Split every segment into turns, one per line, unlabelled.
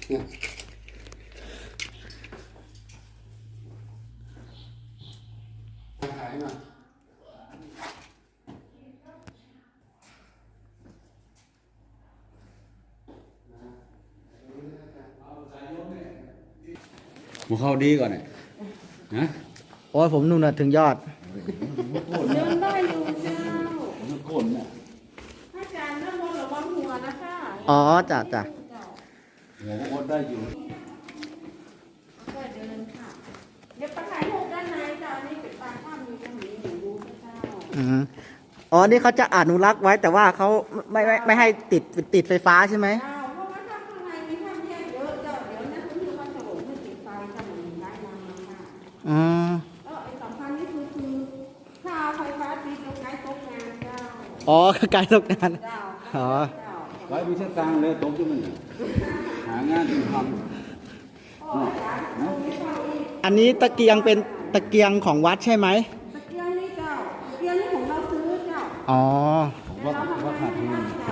เนี่ยถ่ายหน่อย
หมูเข้าดีก่อนเนี่ยนะ
โอ้ยผมนู่นน่ะถึงยอด
เดินได้อยู่เจ้า
มันก้นเนี่ย
ถ้าจานน้ำมันระวังหัวนะคะ
อ๋อจ้ะจ้ะ
หัวก็ก้นได้อยู่
ก็เดินค่ะเดี๋ยวไปถ่ายรูปด้านในเจ้าอันนี้เป็นปลาข้ามมีตรงนี้อยู่ดูเจ้า
อ๋อนี่เขาจะอนุรักษ์ไว้แต่ว่าเขาไม่ให้ติดไฟฟ้าใช่ไหม
เจ้าเพราะว่าถ้าข้างในมีท่านแยกเยอะเจ้าเดี๋ยวนั้นคุณอยู่วันฉลองไม่ติดไฟจะเหมือนได้นานมาก
อืม
ไอ้สำคัญนี่คือถ้าไฟฟ้าติดตรงไหนตกงานเจ้า
อ๋อไกลตกงาน
เจ้า
อ๋อ
เจ้า
ไว้มีเส้นทางเลยตกที่มันหางานที่ทำ
อันนี้ตะเกียงเป็นตะเกียงของวัดใช่ไหม
ตะเกียงนี่เจ้าตะเกียงนี่ของเราซื้อเจ้า
อ๋อ
ว่าขาดทุน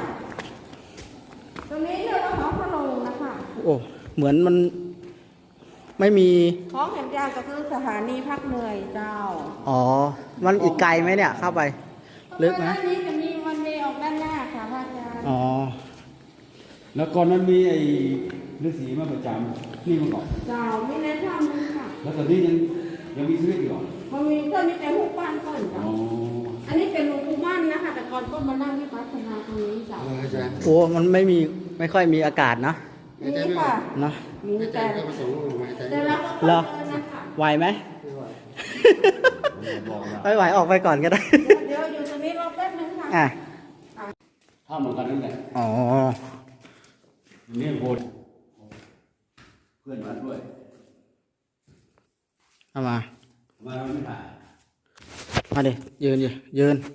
ตรงนี้เรียกว่าของพะโลงนะคะ
โอ้เหมือนมันไม่มี
ของแห่งยางก็คือสถานีพักเหนื่อยเจ้า
อ๋อมันอีกไกลไหมเนี่ยเข้าไปลึกไหม
ด้านนี้จะมีวันเวย์ออกด้านหน้าค่ะพระอาจารย์
อ๋อ
แล้วก่อนนั้นมีไอ้ฤาษีมาประจำนี่มาก่อน
เจ้ามีในถ้ำนึงค่ะ
แล้วตอนนี้ยังมีชีวิตอยู่ก่อน
มันมีต้นนี้เป็นหุบบ้านต้น
อ๋
เจ้า
อ
อันนี้เป็นหลวงปู่มั่นนะคะ แต่ก่อนก็มานั่งวิปัสสนาตรงนี้เจ้า
อาจารย์
โอ้มันไม่ค่อยมีอากาศนะ
นี่ค่ะ
เนาะ
มี
อาจา
แต่
รย์ก็ผสมลงมาอาจารย์
แต่ละ
เหรอ
เดินนะคะ
ไหวไหม
บอกนะ
ไม่ไหวออกไปก่อนก็ได้
เดี๋ยวอยู่ตรงนี้รอแป๊บนึงค่ะ
อ่ะ
ถ้าเหมือนกันนั่นแหละ
อ๋อ
นี่โบนเพื่อนมาด้วย
เอามา
มาเราไม่ถ่าย
มาดิยืนดิยืน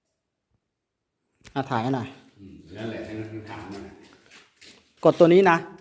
ถ่ายให้หน่อย
นั่นแหละให้มันถามมัน
กดตัวนี้นะ